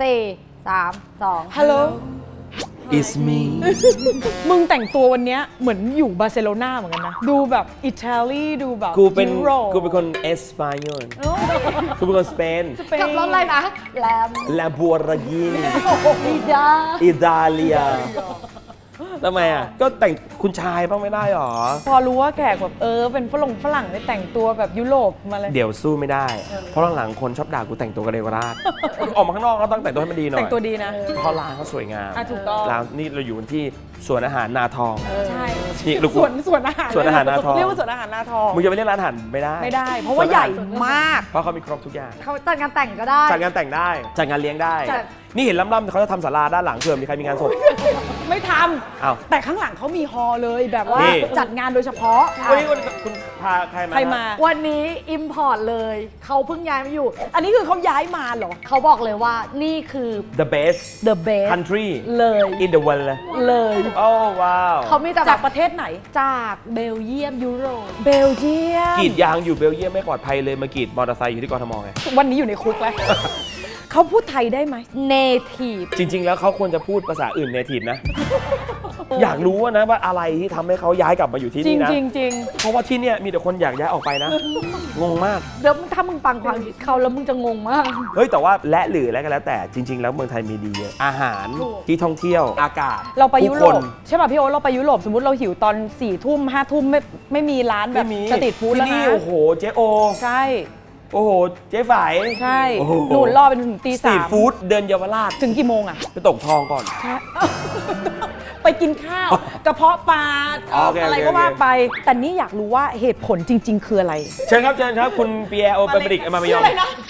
4 3 2 ฮัลโหล It's me มึงแต่งตัววันนี้เหมือนอยู่บาร์เซโลนาเหมือนกันนะ ดูแบบอิตาลีดูแบบกูเป็นยุโรปคนเอสปานยอลกูเป็นคนสเปนกับรถอะไรนะแลม Lamborghini อีดาอิตาเลียทำไมอ่ะ ก็แต่งคุณชายบ้างไม่ได้หรอพอรู้ว่าแขกแบบเป็นฝรั่งได้แต่งตัวแบบยุโรปมาเลยเดี๋ยวสู้ไม่ได้ เพราะหลังๆคนชอบด่ากูแต่งตัวกระเดวกระดาษออกมาข้างนอกก็ต้องแต่งตัวให้มันดีหน่อยแต่งตัวดีนะเพราะร้านเขาสวยงามถูกต้องร้านนี่เราอยู่ที่สวนอาหารนาทองใช่นี่ลูกสวนอาหารสวนอาหารนาทองเรียกว่าสวนอาหารนาทองมึงจะไปเรียกร้านอาหารไม่ได้ไม่ได้ เพราะว่าใหญ่มากเพราะเขามีครบทุกอย่างเขาจัดงานแต่งก็ได้จัดงานแต่งได้จัดงานเลี้ยงได้จัดนี่เห็นล่ำๆเขาจะทำศาลาด้านหลังเผื่อมีใครมีงานศพไม่ทอ้าวำแต่ข้างหลังเขามีฮอลล์เลยแบบว่านี่จัดงานโดยเฉพาะวันนี้คุณพาใครมาใครมาวันนี้อิมพอร์ตเลยเขาเพิ่งย้ายมาอยู่อันนี้คือเขาย้ายมาเหรอเขาบอกเลยว่านี่คือ the best the best country เลย in the world เลยเลยโอ้ว้าวเขามีแต่แบจากบประเทศไหนจากเบลเยียมยุโรปเบลเยียมกรีดยางอยู่เบลเยียมไม่ปลอดภัยเลยมากรีดมอเตอร์ไซค์อยู่ที่กทมไงวันนี้อยู่ในคุกแล้ว เขาพูดไทยได้ไหม native จริง ๆ แล้วเขาควรจะพูดภาษาอื่นเนทีฟนะ อยากรู้นะว่าอะไรที่ทำให้เขาย้ายกลับมาอยู่ที่จรินี่งนะจริงจริงเพราะว่าที่เนี่ยมีแต่คนอยากย้ายออกไปนะ งงมากเดี๋ยวถ้ามึงฟังความคิดเขาแล้วมึงจะงงมากเฮ้ยแต่ว่าและหรืออะไรก็แล้วแต่จริง ๆ แล้วเมืองไทยมีดีเยอะอาหารที่ท่องเที่ยวอากาศเราไปยุโรผู้ปคนใช่ป่ะพี่โอ๊ตเราไปยุโรปสมมติเราหิวตอน4 ทุ่ม5 ทุ่มไม่มีร้านแบบไม่มีสตรีทฟู้ดแล้วที่นะนี่โอ้โหเจ๊โอใช่โอ้โหเจ๊ฝ่ายใช่โอ้โหหนูรอเป็นถึงตีสตรีสาทมฟู้ดเดินเยาวราชถึงกี่โมงอะไปตกทองก่อนไปกินข้าวกระเพาะปลาโอเคอะไรโอเคก็ว่าโอเคไป แต่นี่อยากรู้ว่าเหตุผลจริง ๆ คืออะไรเชิญครับเชิญครับ คุณเปียโอเปเปริกมามายอง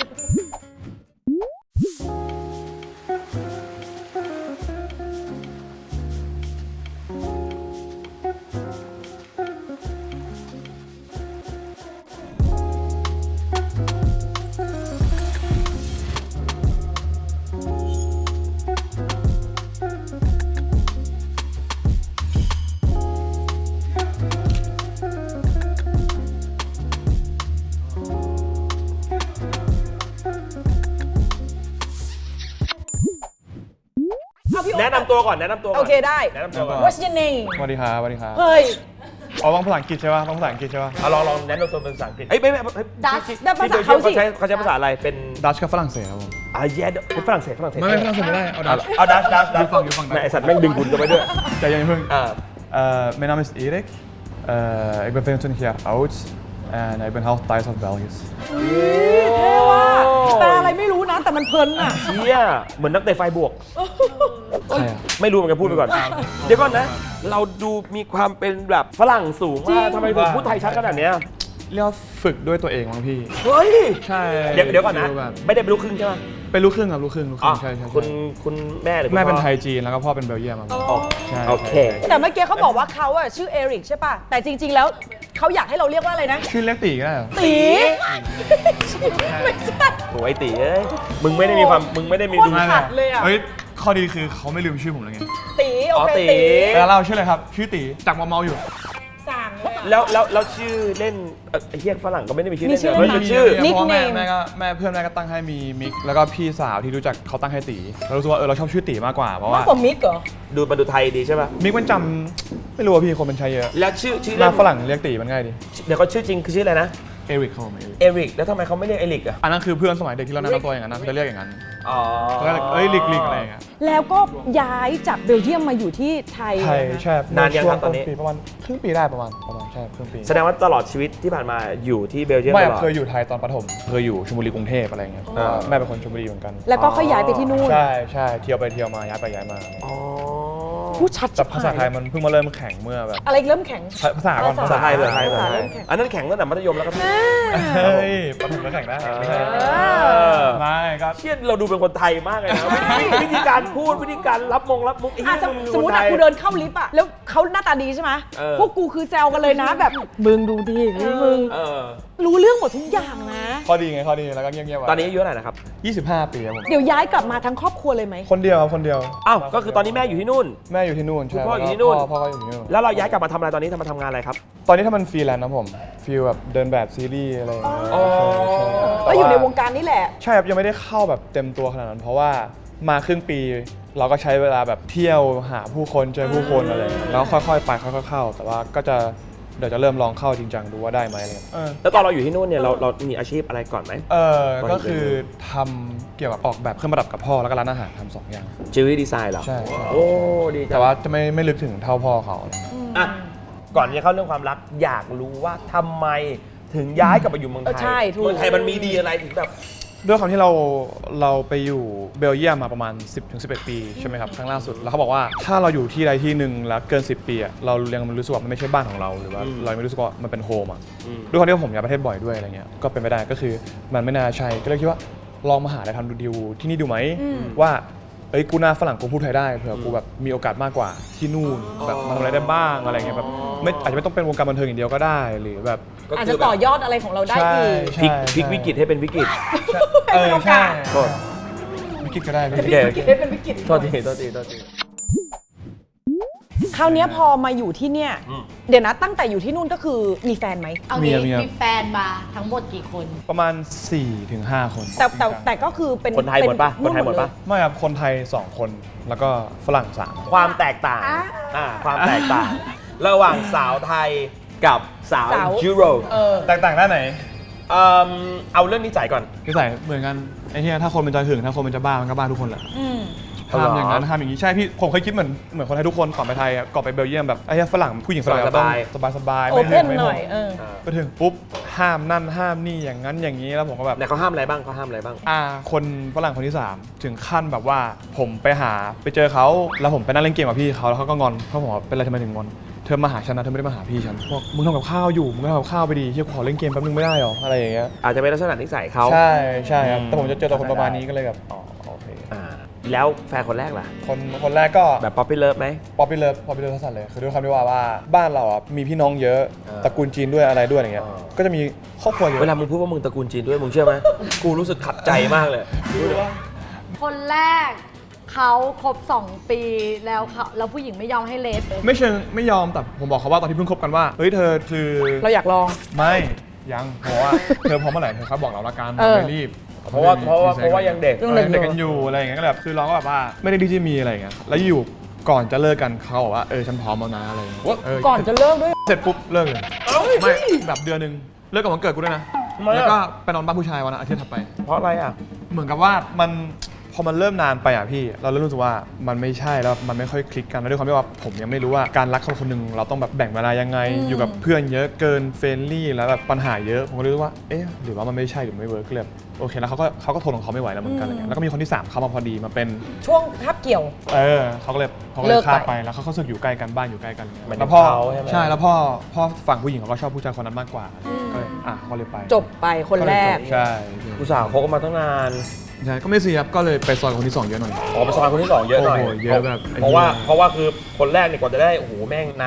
แนะนำตัวก่อนแนะนำตัวก่อนโอเคได้แนะนำตัวก่อน What's your name สวัสดีครับสวัสดีครับเฮ้ยอ๋อต้องภาษาอังกฤษใช่ป่ะต้องภาษาอังกฤษใช่ป่ะเอาลองแนะนำตัวเป็นภาษาอังกฤษเอ้ยไม่ Dutch ได้ภาษาเขาสิเขาใช้ภาษาอะไรเป็นดัชกับฝรั่งเศสครับผมแย่เป็นฝรั่งเศสไม่ฝรั่งเศสไม่ได้เอาดัชเอาดัชอยู่ฝั่งไอสัตว์แม่งดึงคุณกันไปด้วยใจเย็นเพิ่งอ่า Mijn naam is Erik. Ik ben 25 jaar oud en ik ben half Thais of Belgisch. เท่ว่ะแปลอะไรไม่รู้นะ แต่มันเพลินอ่ะเชี่ยเหมือนนักเตะไฟบวกใช่อะไม่รู้เหมือนกันพูดไปก่อน เดี๋ยวก่อนนะ เราดูมีความเป็นแบบฝรั่งสูงจริมาง กทำไมถึงพูดไทยชัดขนาดเนี้ยเรียกว่าฝึกด้วยตัวเองมั้งพี่เฮ้ยใช่เดี๋ยวก่อนนะฟีลแบบไม่ได้เป็นลูกครึ่งใช่ไหมเป็นลูกครึ่งครับลูกครึ่งอ๋อใช่คุณแม่หรือคุณแม่เป็นพ่อไทยจีนแล้วก็พ่อเป็นเบลเยียมครับผมอ๋อใช่โอเคแต่เมื่อกี้เขาบอกว่าเขาอะชื่อเอริกใช่ป่ะ แต่จริง ๆ แล้วเขาอยากให้เราเรียกว่าอะไรนะชื่อเรียกตีก็ได้เหรอตี ไม่ใช่โอ้ยตีเอ้ย มึงไม่ได้มีความ มึงไม่ได้มีโคตรดูขัดเลยอะเฮ้ยข้อดีคือเขาไม่ลืมชื่อผมเลยไงตีโอเคอ๋อตีตีแล้วเราชื่ออะไรครับชื่อตีจากเมาอยู่สั่งเลยอะแล้วชื่อเล่นไอ้เฮียฝรั่งก็ไม่ได้มีชื่อมีเล่นชื่อเลยมันชื่อนิกเพราะว่าเนมแม่เพื่อนแม่ก็ตั้งให้มีมิกแล้วก็พี่สาวที่รู้จักเขาตั้งให้ตีเรารู้สึกว่าเราชอบชื่อตีมากกว่าเพราะมากว่ากว่ามิกเหรอดูมันดูไทยดีใช่ป่ะมิกมันจำไม่รู้ว่าพี่คนมันใช้เยอะแล้วชื่อหเล่น้าน ฝรั่งเรียกตีมันง่ายดีเดี๋ยวก็ชื่อจริงคือชื่ออะไรนะเอริกเขาผมเอริกเอริก แล้วทำไมเขาไม่เรียกเอริกอ่ะอันนั้นคือเพื่อนสมัยเด็กที่เราแนะนำตัวอย่างนั้นนะเขาจะเรียกอย่างนั้นอ๋อเขาก็เลยเอ้ยลิกอะไรอย่างเงี้ยแล้วก็ย้ายจากเบลเยียมมาอยู่ที่ไทยไทยนะคะใช่นานยังครับตอนนี้ช่วงปีประมาณครึ่งปีได้ประมาณใช่ครึ่งปีแสดงว่าตลอดชีวิตที่ผ่านมาอยู่ที่เบลเยียมไม่ตลอดเคยอยู่ไทยตอนประถมเคยอยู่ชลบุรีกรุงเทพอะไรเงี้ยเพราะว่าแม่เป็นคนชลบุรีเหมือนกันแล้วก็ค่อยย้ายไปที่นู่นใช่เที่ยวไปเที่ยวมาย้ายไปย้ายมาอ๋อพูดชัดแต่ภาษาไทยมันเพิ่งมาเริ่มแข่งเมื่อแบบอะไรเริ่มแข็งภาษาก่อนภาษาไทยภาษาไทยภาษาเริ่มแข็งอันนั้นแข่งตั้งแต่มัธยมแล้วครับเฮ้ยประถมก็แข่งได้ไม่ใช่ ไม่ก็เชี่ยเราดูเป็นคนไทยมากเลยนะวิธีการพูดวิธีการรับมุกไอ้อ่ะเหี้ยสมมติอะกูเดินเข้าลิฟต์อะแล้วเขาหน้าตาดีใช่ไหมเออพวกกูคือแซวกันเลยนะแบบมึงดูดิมึงเออรู้เรื่องหมดทุกอย่างนะข้อดีไงข้อดีแล้วก็เงียบๆไว้ตอนนี้อายุเท่าไหร่นะครับ 25 ปีครับผมเดี๋ยวย้ายกลับมาทั้งครอบครัวเลยไหมคนเดียวครับคนเดียวอ้าวก็คือตอนนี้แม่อยู่ที่นู่นแม่อยู่ที่นู่นคุณใช่พ่ออยู่ที่นู่นพ่อก็อยู่ที่นู่นแล้วเราย้ายกลับมาทำอะไรตอนนี้มาทำงานอะไรครับตอนนี้ถ้ามันฟรีแลนซ์นะผมฟีลแบบเดินแบบซีรีส์อะไรอย่างเงี้ยอ๋อใช่ก็อยู่ในวงการนี่แหละใช่ครับยังไม่ได้เข้าแบบเต็มตัวขนาดนั้น เพราะว่ามาครึ่งปี เราก็ใช้เวลาแบบเที่ยวหาผู้คนเจอผู้คนอะไรอย่างเงี้ยแล้วค่อยๆไปค่อยๆเข้าแต่ว่าก็จะเดี๋ยวจะเริ่มลองเข้าจริงจังดูว่าได้ไหมอะไรเงี้ยแล้วตอนเราอยู่ที่นู่นเนี่ยเรามีอาชีพอะไรก่อนไหมก็คือทำเกี่ยวกับออกแบบเครื่องประดับกับพ่อแล้วก็ร้านอาหารทำ2 อย่างจิวเวลรี่ดีไซน์เหรอใช่โอ้ดีจังแต่ว่าจะไม่ลึกถึงเท่าพ่อเขาอ่ะก่อนที่จะเข้าเรื่องความรักอยากรู้ว่าทำไมถึงย้ายกลับมาอยู่เมืองไทยใช่ถูกเมืองไทยมันมีดีอะไรถึงแบบด้วยความที่เราไปอยู่เบลเยียมมาประมาณ 10-11 ปีใช่ไหมครับครั้งล่าสุดแล้วเขาบอกว่าถ้าเราอยู่ที่ใดที่หนึ่งแล้วเกิน 10 ปีอะเรายังรู้สึกว่ามันไม่ใช่บ้านของเราหรือว่าเราไม่รู้สึกว่ามันเป็นโฮมอะด้วยความที่ผมย้ายประเทศบ่อยด้วยอะไรเงี้ยก็เป็นไปได้ก็คือมันไม่น่าใช่ก็เลยคิดว่าลองมาหาอะไรทำดูดีลที่นี่ดูไหมว่าเอ้ยกูหน้าฝรั่งกูพูดไทยได้เผื่อกูแบบมีโอกาสมากกว่าที่นู่นแบบมาทำอะไรได้บ้างอะไรเงี้ยแบบไม่อาจจะไม่ต้องเป็นวงการบันเทิงอย่างเดียวก็ได้หรือแบบอาจจะต่อยอดอะไรของเราได้อีกพลิกวิกฤตให้เป็นวิกฤตใช่โทษวิกฤตก็ได้โอเคเป็นวิกฤตโทษทีคราวเนี้ยพอมาอยู่ที่เนี่ยเดี๋ยวนะตั้งแต่อยู่ที่นู่นก็คือมีแฟนไหมเอางี้มีแฟนมาทั้งหมดกี่คนประมาณ 4-5 คนแต่ก็คือเป็นคนไทยหมดปะคนไทยหมดปะไม่ครับคนไทย 2 คนแล้วก็ฝรั่ง3 ความแตกต่างความแตกต่าง ระหว่างสาวไทยกับสาวยุโรปแตกต่างด้านไหนเอาเรื่องนิสัยก่อนนิสัยเหมือนกันไอ้เหี้ยถ้าคนมันจะหึงถ้าคนมันจะบ้ามันก็บ้าทุกคนแหละอ๋อเหรอห้ามอย่างนั้นห้ามอย่างนี้ใช่พี่ผมเคยคิดเหมือนคนไทยทุกคนก่อนไปไทยอะก่อนไปเบลเยียมแบบไอ้เหี้ยฝรั่งผู้หญิงฝรั่งเราต้องสบายๆโอไม่เพหึนงไม่หห่น่วอยงไปถึงปุ๊บห้ามนั่นห้ามนี่อย่างนั้นอย่างนี้แล้วผมก็แบบเนี่ยเขาห้ามอะไรบ้างคนฝรั่งคนที่ 3 ถึงขั้นแบบว่าผมไปเจอเขาแล้วผมไปนั่งเล่นเกมกับพี่เขาแล้วเขาก็งอนเขาบอกว่าเป็นอะไรทำไมถึงงอนเธอมาหาฉันนะเธอไม่ได้มาหาพี่ฉันบอกมึงทำกับข้าวอยู่มึงก็ทำกับข้าวไปดีเฮียขอเล่นเกมแป๊บนึงไม่ได้หรออะไรอย่างเงี้ยอาจจะเป็นลักษณะนิสัยเขาใช่ครับแต่ผมจะเจอตัวคนประมาณนี้ก็เลยแบบอ๋อโอเคแล้วแฟนคนแรกล่ะคนแรกก็แบบป๊อปปี้เลิฟไหมป๊อปปี้เลิฟทัศน์เลยคือด้วยความที่ว่าบ้านเราอ่ะมีพี่น้องเยอะตระกูลจีนด้วยอะไรด้วยอย่างเงี้ยก็จะมีครอบครัวเยอะเวลามึงพูดว่ามึงตระกูลจีนด้วยมึงเชื่อไหม กูรู้สึกขัดใจมากเลยคนแรกเขาครบ2 ปีแล้วผู้หญิงไม่ยอมให้เลสเลยไม่เชิงไม่ยอมแต่ผมบอกเขาว่าตอนที่เพิ่งคบกันว่าเฮ้ยเธอคือเราอยากลองไม่ยังเพราะว่าเธอพร้อมเมื่อไหร่เธอครับบอกเราละกันไม่รีบเพราะว่ายังเด็กยังเด็กเด็กกันอยู่อะไรอย่างเงี้ยก็แบบคือเราก็แบบว่าไม่ได้ดีที่มีอะไรอย่างเงี้ยแล้วอยู่ก่อนจะเลิกกันเขาบอกว่าฉันพร้อมแล้วนะอะไรอย่างเงี้ยก่อนจะเลิกด้วยเสร็จปุ๊บเลิกเลยไม่แบบเดือนนึงเลิกกับวันเกิดกูด้วยนะแล้วก็ไปนอนบ้านผู้ชายวันอาทิตย์ถัดไปเพราะอะไรอ่ะเหมือนกับว่าพอมันเริ่มนานไปอ่ะพี่เราเริ่มรู้สึกว่ามันไม่ใช่แล้วมันไม่ค่อยคลิกกันแล้วด้วยความที่ว่าผมยังไม่รู้ว่าการรักคนคนหนึ่งเราต้องแบบแบ่งเวลายังไงอยู่กับเพื่อนเยอะเกินเฟรนลี่แล้วแบบปัญหาเยอะผมก็เลยรู้ว่าเอ๊ะหรือว่ามันไม่ใช่หรือไม่เวิร์กเลยโอเคแล้วเขาก็ทนของเขาไม่ไหวแล้วเหมือนกันอะไรเงี้ยแล้วก็มีคนที่3เข้ามาพอดีมาเป็นช่วงคาบเกี่ยวเขาก็เลยเลิกไปข้ามไปแล้วเขาก็รู้สึกอยู่ใกล้กันบ้านอยู่ใกล้กันหมายถึงแล้วพ่อเขาใช่ไหมใช่แล้วพ่อฝั่งผู้หญิงเขาก็ชอบผู้ชายคนนั้นมากกว่าก็เลยเขาเลยไปจบไปคนแรกใช่กูสาวคบกันมาตั้งนานใช่ก็ไม่เสียครับก็เลยไปซอยคนที่2เยอะหน่อยอ๋อไปซอยคนที่ 2 เยอะหน่อยโอ้โหเยอะแบบเพราะว่าคือคนแรกเนี่ยกว่าจะได้โอ้โหแม่งนาน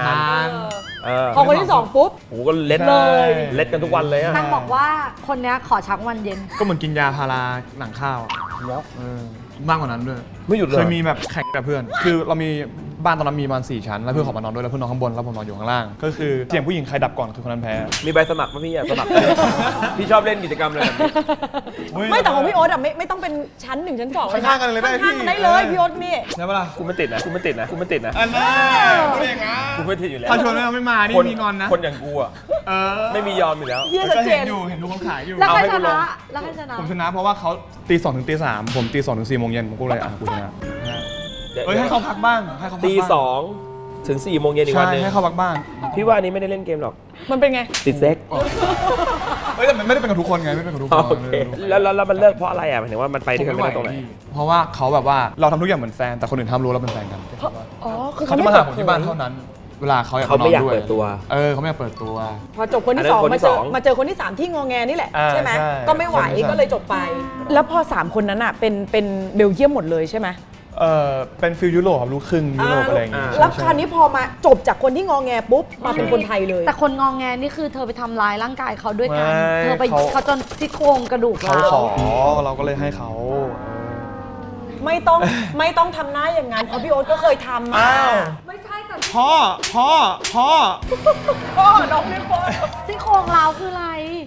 พอคนที่2ปุ๊บโอ้โหก็เล็ดเลยเล็ดกันทุกวันเลยอ่ะนางบอกว่าคนเนี้ยขอชักวันเย็นก็เหมือนกินยาพาราหนังข้าวอะแล้วมากกว่านั้นด้วยไม่หยุดเลยเคยมีแบบแข่งกับเพื่อน คือเรามีบ้านตอนนั้นมีประมาณ4 ชั้นแล้วเพื่อนขอมานอนด้วยแล้วเพื่อนนอนข้างบนแล้วผมนอนอยู่ข้างล่างก็คือเสียงผู้หญิงใครดับก่อนคือคนนั้นแพ้มีใบสมัครป่ะพี่อ่ะสมัคร พี่ชอบเล่นกิจกรรมอะไรแบบนี้ไม่แต่ของพี่โอ๊ตอะไม่ต้องเป็นชั้น1ชั้น2 ข้างๆกันเลยได้พี่ข้างๆกันได้เลยพี่โอ๊ตนี่ใช่ปะล่ะกูไม่ติดนะอันนั้นพูดอย่างงั้นกูไม่ติดอยู่แล้วถ้าชวนไม่มานี่มีงอนนะคนอย่างกูอ่ะไม่มียอมอยู่แล้วเฮียชัดก็เจเห็นนอยู่เห็นดูคนขายอยู่แล้วใครเอาให้ชกูลนะงแล้วใครชนะผมชนะเพราะว่าเขาตี 2 ถึงตี 3ผมตี 2 ถึง 4 โมงเย็นผมก็เลยกูชนะเฮ้ยให้เขาพักบ้างให้เขาพักตีบ้าง 2 ถึง 4 โมงเย็นอีกใช่วันหนึงให้เขาพักบ้างพี่ว่าอันนี้ไม่ได้เล่นเกมหรอกมันเป็นไงติดเซ็กเฮ้ยแต่มันไม่ได้เป็นกับทุกคนไงไม่เป็นกับทุกคโอน เคแล้วมันเลิกเพราะอะไรอ่ะหมายถึงว่ามันไปด้วยกันไม่ได้ตรงไหนเพราะว่าเขาแบบว่าเราทำทุกอย่างเหมือนแฟนแต่คนอื่นทำรู้เราเป็นแฟนกันอ๋อคือเขาเขาจะไม่มาเปิหาดผมเผที่บ้านยเท่านั้น เวลาเขาอยากเขาไม่อยากนนด้วเปิดตัวเขาไม่อยากเปิดตัวพอจบคนที่อันนั้น 2 คนที่มาเจอสองมาเจอคนที่ 3 ที่งอแงนี่แหละอ่าใช่ไหมใช่ก็ไม่ไหวคนที่สามก็เลยจบไป แล้วพอ 3 คนนั้นอะเป็นเบลเยียมหมดเลยใช่ไหมเป็นฟิลยุโรปครับลูกครึ่งยุโรปอะไรอย่างเงี้ยแล้วคราวนี้พอมาจบจากคนที่งอแงปุ๊บมาเป็นคนไทยเลยแต่คนงองแงนี่คือเธอไปทำร้ายร่างกายเขาด้วยกันไม่เธอไปเขาเขาจนซี่โครงกระดูกเขาร้าวขอเราก็เลยให้เขาไม่ต้องทำหน้าอย่างนั้นเพราะพี่โอ๊ตก็เคยทำมาไม่ใช่แต่พ่อพ่อน้องเล่นพ่อซี่โครงร้าวคืออะไร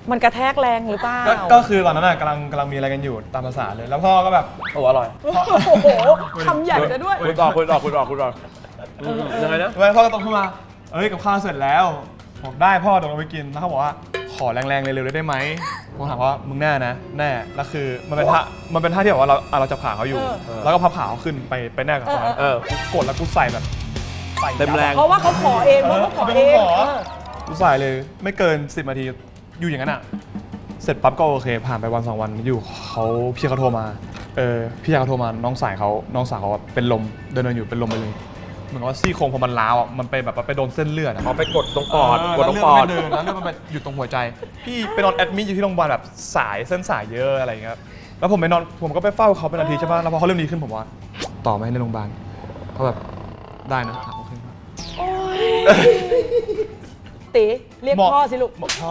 มันกระแทกแรงหรือเปล่าก็คือตอนนั้นกำลังมีอะไรกันอยู่ตามภาษาเลย แล้วพ่อก็แบบโอ้อร่อยโอ้โหคำใหญ่จะด้วยคุณต่อยังไงนะแล้วพ่อก็ตรงขึ้นมากับข้าวเสร็จแล้วผมได้พ่อตรงลงไปกินแล้วเขาบอกว่าขอแรงๆเร็วๆได้ไหมผมถามว่ามึงแน่นะแน่แล้วคือมันเป็นท่าที่แบบว่าเราจับขาเขาอยู่ แล้วก็พับขาเขาขึ้นไปแน่กับเขากูกดแล้วกูใส่แบบใส่เต็มแรงเพราะว่าเขาขอเองเพราะเขาขอเองกูใส่เลยไม่เกิน10 นาทีอยู่อย่างนั้นอ่ะเสร็จปั๊บก็โอเคผ่านไปวัน2 วันอยู่พี่เขาโทรมาพี่ชายเขาโทรมาน้องสาวเขาเป็นลมเดินอยู่เป็นลมไปเลยเหมือนว่าซี่โครงพอมันล้าวอ่ะมันไปแบบไปโดนเส้นเลือดอ่ะเอาไปกดตรงปอดกดตรงปอดแล้วเลือดมันไปอยู่ตรงหัวใจพี่ไปนอนแอดมิทอยู่ที่โรงพยาบาลแบบเส้นสายเยอะอะไรอย่างเงี้ยแล้วผมไปนอนผมก็ไปเฝ้าเขาเป็นนาทีใช่ป่ะแล้วพอเขาเริ่มดีขึ้นผมว่าต่อไหมในโรงพยาบาลเขาแบบได้นะโอเคตีเรียกพ่อสิลูกพ่อ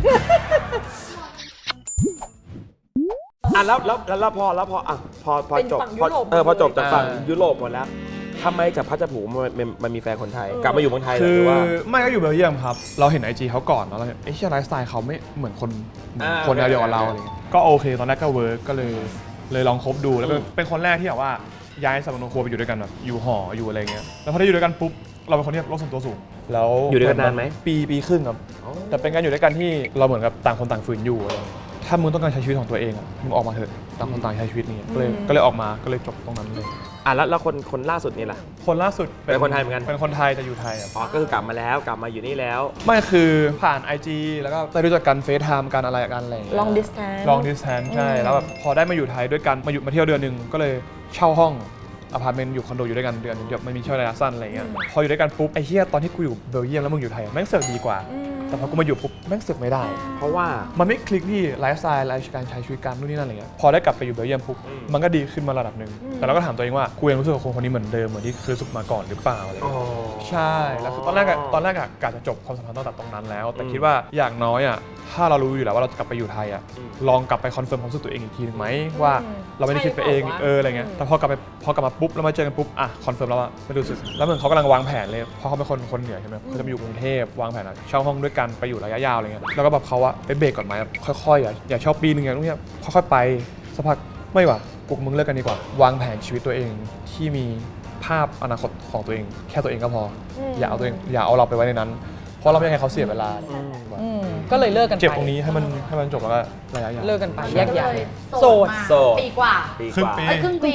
แล้วพออ่ะพอเป็นจบฝั่งยุโรปพอจบจากฝั่งยุโรปหมดแล้วทำไมจากพัชผูมันมีแฟนคนไทย กลับมาอยู่เมืองไทยหคืรือ อว่าไม่ก็อยู่เบลเยียมครับเราเห็น IG เขาก่อนแล้วเราเห็นไลฟ์สไตล์เขาไม่เหมือนคนแนวเดียวกับเราอะไรเงี้ยก็โอเคตอนแรกก็เวิร์กก็เลยลองคบดูแล้วเป็นคนแรกที่แบบว่าย้ายสำนักงานครัวไปอยู่ด้วยกันแบบอยู่หออยู่อะไรเงี้ยแล้วพอได้อยู่ด้วยกันปุ๊บเราเป็นคนที่โลกส่วนตัวสูงแล้วอยู่ด้วยกันนานไหมปีครึ่งครับแต่เป็นการอยู่ด้วยกันที่เราเหมือนกับต่างคนต่างฝืนอยู่อะไรถ้ามึงต้องการใช้ชีวิตของตัวเองอ่ะมึงออกมาเถอะต่างคนต่างใช้ชีวิตนี่ก็เลยออกมาก็เลยจบตรงนั้นเลยแล้วคนล่าสุดนี่ล่ะคนล่าสุดเป็นคนไทยเหมือนกันเป็นคนไทยแต่อยู่ไทยอ่ะอ๋อก็คือกลับมาอยู่นี่แล้วไม่คือผ่าน IG แล้วก็ได้รู้จักกันเฟซไทม์กันอะไรกันอะไรอย่างเงี้ย long distance long distance ใช่แล้วแบบพอได้มาอยู่ไทยด้วยกันมาเที่ยวเดือนหนึ่งก็เลยเช่าห้องอพาร์ตเมนต์อยู่คอนโดอยู่ด้วยกันเดือนนึงเดี๋ยวมันมีช่วงระยะสั้นอะไรเงี้ยพออยู่ด้วยกันปุ๊บไอ้เหี้ยตอนที่กูอยู่เบลเยียมแล้วมึงอยู่ไทยแม่งเสือกดีกว่าแต่พอกูมาอยู่ปุ๊บแม่งเสือกไม่ได้เพราะว่ามันไม่คลิกที่ไลฟ์สไตล์การใช้ชีวิตการนู่นนี่นั่นอะไรเงี้ยพอได้กลับไปอยู่เบลเยียมปุ๊บมันก็ดีขึ้นมาระดับหนึ่งแต่เราก็ถามตัวเองว่ากูยังรู้สึกกับคนนี้เหมือนเดิมเหมือนที่เคยรู้สึกมาก่อนหรือเปล่าอะไรเงี้ยใช่แล้วคือตอนแรกอะกะจะจบความสัมพันธ์ตั้งแต่ตรงนั้นแล้ว แต่คิดว่าอย่างน้อยอะถ้าเรารู้อยู่แล้วว่าเราจะกลับไปอยู่ไทยอะลองกลับไปคอนเฟิร์มความรู้สึกตัวเองอีกทีนึงไหมว่าเราไม่ได้คิดไปเองอะไรเงี้ยแต่พอกลับมาปุ๊บแล้วมาเจอกันปุ๊บอ่ะคอนเฟิร์มแล้วอะไม่รู้สึกแล้วเหมือนเขากำลังวางแผนเลยเพราะเขาเป็นคนเหนือใช่ไหมเขาจะมาอยู่กรุงเทพวางแผนเช่าห้องด้วยกันไปอยู่ระยะยาวอะไรเงี้ยแล้วก็แบบเขาอะไปเบรกก่อนไหมค่อยๆอย่าชอบปีนึงอย่างนู้นเนี่ยค่อยๆไปสักพักไม่ว่ะกูกับมึงเลิกกันดีกว่าวางแผนชีวิตตัวเองที่มีภาพอนาคตของตัวเองแค่ตัวเองก็พออย่าเอาเราไปไว้ในนั้นเพราะเราไม่อยากให้เขาเสียเวลาก็เลยเลิกกันไปเจ็บตรงนี้ให้มันจบแล้วก็ระยะยาวเลิกกันไปแยกย้ายโสดโสดปีกว่าครึ่งปีครึ่งปี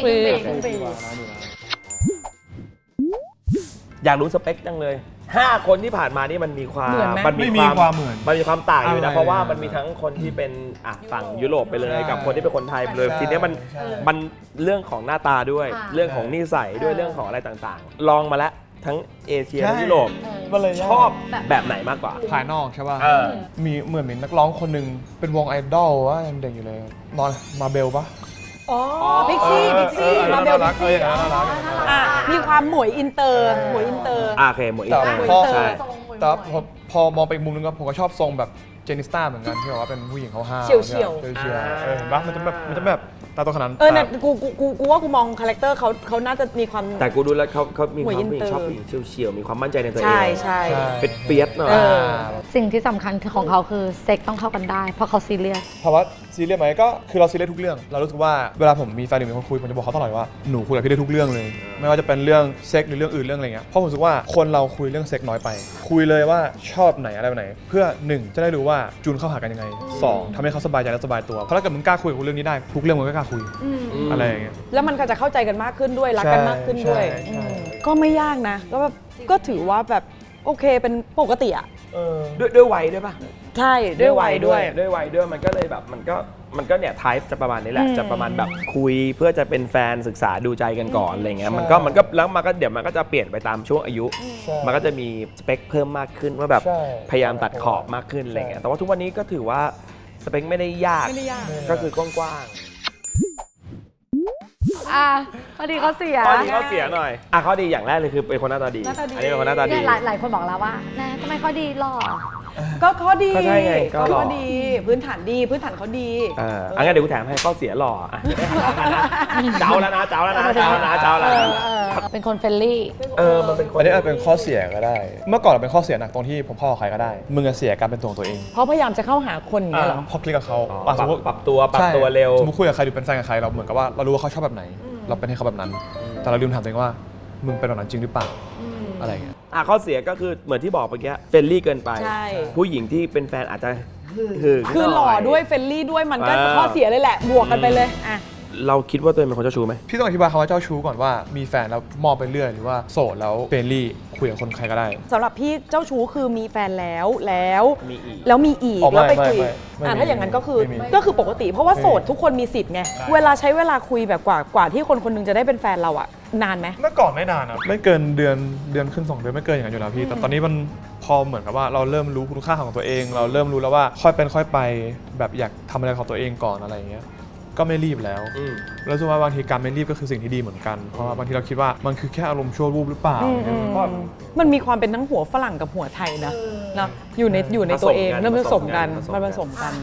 อยากรู้สเปคจังเลย 5 คนที่ผ่านมานี่มันมีความเหมือนไหมไม่มีความเหมือนมันมีความต่างอยู่นะอะไรเพราะว่ามันมีทั้งคนที่เป็นฝั่งยุโรปไปเลยใช่กับคนที่เป็นคนไทยไปเลยใช่ทีเนี้ยมันเรื่องของหน้าตาด้วยค่ะเรื่องของนิสัยด้วยเรื่องของอะไรต่างๆ ลองมาแล้วทั้งเอเชียใช่ทั้งยุโรปมันเลยชอบแบบไหนมากกว่าภายนอกใช่ป่ะเออมีเหมือนนักร้องคนหนึ่งเป็นวงไอดอลว่ายังเด็กอยู่เลยนอนมาเบลปะอ๋อพิกซี่มาเบลพิกซี่น่ารักมีความหมวยอินเตอร์โอเคหมดอีกแต่แล้วพอใช่แต่พอมองไปอีกมุมนึงก็ผมก็ชอบทรงแบบเจนิสต้าเหมือนกันที่แบบว่าเป็นผู้หญิงเขาห้าวเฉียวเฉียวเห็นปะมันจะแบบตาโตขนาดนั้นเนี่ยกูว่ากูมองคาแรคเตอร์เขาน่าจะมีความแต่กูดูแล้วเขามีความหมวยอินผู้หญิเตองร์ชอบผู้หญิงเฉียวๆมีความมั่นใจในตัวเองใช่ใช่เฟียสหน่อยสิ่งที่สำคัญของเขาคือเซ็กต้องเข้ากันได้ เพราะเขาซีเรียสเพราะว่าซีเรียสไหมก็คือเราซีเรียสทุกเรื่องเรารู้สึกว่าเวลาผมมีแฟนหรือมีคนคุยผมจะบอกเขาตลอดว่าหนูคุยกับพี่ได้ทุกเรื่องเลย ไม่ว่าจะเป็นเรื่องเซ็กหรือเรื่องอื่นเรื่องอะไรเงี้ยเพราะผมรู้สึกว่าคนเราคุยเรื่องเซ็กน้อยไป คุยเลยว่าชอบไหนอะไรแบบไหน เพื่อ1จะได้รู้ว่าจูนเข้าหากันยังไง2ทำให้เขาสบายใจและสบายตัวเพราะถ้าเกิดมึงกล้าคุยกับเรื่องนี้ได้ทุกเรื่องมึงก็กล้าคุยอะไรอย่างเงี้ยแล้วมันก็จะเข้าใจกันมากขึ้นด้วยรักกันมากขึ้นด้วยใช่ก็ไม่ยากนะก็ถือว่าแบบโอเคเป็นปกติอ่ะด้วยวัยด้วยป่ะใช่ด้วยวัยด้วยด้วยวัยด้วยมันก็เลยแบบมันก็เนี่ยไทป์จะประมาณนี้แหละจะประมาณแบบคุยเพื่อจะเป็นแฟนศึกษาดูใจกันก่อนอะไรเงี้ยมันก็แล้วมันก็เดี๋ยวมันก็จะเปลี่ยนไปตามช่วงอายุ มันก็จะมีสเปคเพิ่มมากขึ้นว่าแบบใช่พยายามตัดขอบมากขึ้นอะไรเงี้ยแต่ว่าทุกวันนี้ก็ถือว่าสเปคไม่ได้ยากไม่ได้ยากก็คือกว้างข้อดีเขาเสียๆข้อดีข้อเสียหน่อยข้อดีอย่างแรกเลยคือเป็นคนหน้าตาดีหน้าตาดีอันนี้เป็นคนหน้าตาดีเนี่ยหลายคนบอกแล้วว่านะทำไมเขาดีหล่อก็ข้อดีก็ใช่ไงก็หล่อข้อดีพื้นฐานดีพื้นฐานเขาดีงั้นเดี๋ยวกูแถมให้ข้อเสียหล่ออ่ะเดี๋ยวไม่หากันนะเจ้าแล้วนะเจ้าแล้วนะเจ้าแล้วนะเจ้าแล้วนะเป็นคนเฟรนลี่มันเป็นคนอันนี้อาจเป็นข้อเสียก็ได้ เมื่อก่อนเราเป็นข้อเสียหนักตรงที่ผมพ่อกับใครก็ได้ มึงอะเสียการเป็นตัวของตัวเองเพราะพยายามจะเข้าหาคนอย่างเงี้ยเหรอพอคลิกกับเขาปรับตัวเร็วสมมติคุยกับใครหรือเป็นแฟนกับใครเราเหมือนกับว่าเรารู้ว่าเขาชอบแบบไหน เราเป็นให้เขาแบบนั้น แต่เราลืมถามตัวเองว่ามึงเป็นแบบนั้นจริงหรือเปล่าอะไรอย่างเงี้ยข้อเสียก็คือเหมือนที่บอกเมื่อกี้เฟรนลี่เกินไปใช่ผู้หญิงที่เป็นแฟนอาจจะหึงคือหล่อด้วยเฟรนลี่ด้วยมันก็ข้อเสียเลยแหละบวกกันไปเลยอ่ะเราคิดว่าตัวเองเป็นคนเจ้าชู้ไหมพี่ต้องอธิบายคำว่าเจ้าชู้ก่อนว่ามีแฟนแล้วมองไปเรื่อยหรือว่าโสดแล้วเฟรนลี่คุยกับคนใครก็ได้สำหรับพี่เจ้าชู้คือมีแฟนแล้วมีอีกแล้วมีอีกอ๋อไม่แล้วไปคุยไม่มีถ้าอย่างนั้นก็คือไม่มีก็คือปกติ เพราะว่าโสดทุกคนมีสิทธิ์ไงเวลาใช้เวลาคุยแบบกว่าที่คนคนหนึงจะได้เป็นแฟนเราอะนานไหมเมื่อก่อนไม่นานนะไม่เกินเดือนขึ้น2 เดือนไม่เกินอย่างนั้นอยู่แล้วพี่แต่ตอนนี้มันพอเหมือนกับว่าเราเริ่มรู้คุณค่าของตัวเอง เราเริ่มรู้แล้วว่าค่อยเป็นค่อยไปแบบอยากทำอะไรของตัวเองก่อนอะไรอย่างเงี้ยก็ไม่รีบแล้วแล้วรู้สึกว่าบางทีการไม่รีบก็คือสิ่งที่ดีเหมือนกันเพราะว่าบางทีเราคิดว่ามันคือแค่อารมณ์ชั่ววูบหรือเปล่าเพราะมันมีความเป็นทั้งหัวฝรั่งกับหัวไทยนะอยู่ในตัวเองเริ่มผสมกันมันผสมกัน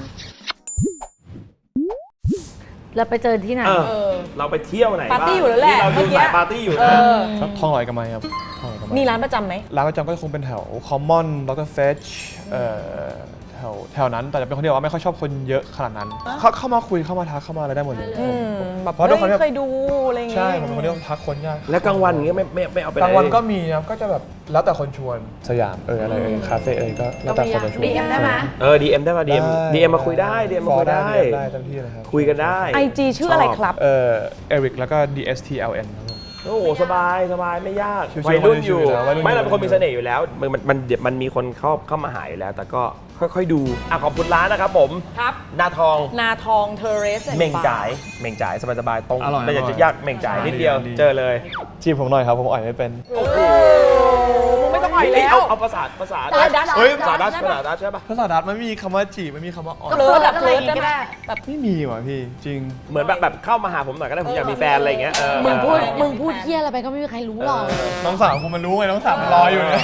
แล้วไปเจอที่ไหนเราไปเที่ยวไหนปาร์ตี้อยู่แล้วแหละเราดูเมื่อกี้สายปาร์ตี้อยู่เอนะอทองหล่อยกันไหมครับทองหล่อยกันไหมมีร้านประจำไหมร้านประจำก็คงเป็นแถวคอมมอนดรเฟชแถวนั้นแต่จะเป็นคนที่ว่าไม่ค่อยชอบคนเยอะขนาดนั้นเข้ามาคุยเข้ามาทักเข้ามาอะไรได้หมดเลยแบบเพราะด้วยความที่เคยดูอะไรอย่างเงี้ใช่ยผมเป็นคนที่ต้องทักคนยากแล้วกลางวันอย่างเงี้ยไม่เอาไปไหนกลางวันก็มีนะครับก็จะแบบแล้วแต่คนชวนสยามอะไรคาเฟ่ก็แล้วแต่คนจะชวน DM ได้ไหม DM ได้ป่ะ DM มาคุยได้ DM มาคุยได้ได้เต็มที่เลยครับคุยกันได้ IG ชื่ออะไรครับเอริกแล้วก็ DSTLN ครับผมโอ้โหสบายไม่ยากชิวๆวัยรุ่นอยู่วัยรุ่นอยู่ไม่เราเป็นคนมีเสน่ห์อยู่แล้วมันมีคนเข้ามาหาอยู่แล้ว แต่ก็ค่อยๆดูขอบคุณร้านนะครับผมครับนาทองนาทองเทเรสเม่งจ่ายสบายๆตรงอร่อยไม่อยากจะยากเม่งจ่ายนิดเดียวดีเจอเลยจีบผมหน่อยครับผมอ่อยไม่เป็นมึงไม่ต้องอ่อยแล้วเอาภาษาดัชเฮ้ยภาษาดัชใช่ปะภาษาดัตช์มันไม่มีคำว่าจีบไม่มีคำว่าอ่อยเลิศแบบอะไรเลิอศย่างงี้ก็ได้ได้แบบไม่มีว่ะพี่จริงเหมือนแบบเข้ามาหาผมหน่อยก็ได้ผมอยากมีแฟนอะไรอย่างเงี้ยมึงพูดเที่ยอะไรไปก็ไม่มีใครรู้หรอกน้องสาวผมมันรู้ไงน้องสาวมันรออยู่เนี่ย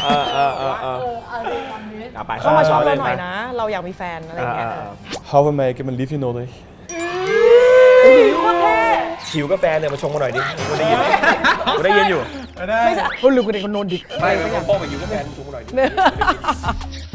กลับไปเข้ามาชอบเราหน่อยนะ เราอยากมีแฟนอะไรอย่างเงี้ย How am I gonna leave you know เลยโคตรเท่หิวกาแฟเนี่ยมาชงมาหน่อยดิกูได้ยินอยู่ไม่ใช่คนหรือคนเด็กคนโนนดิไม่ผมบอกมาหิวกาแฟชงมาหน่อยดิ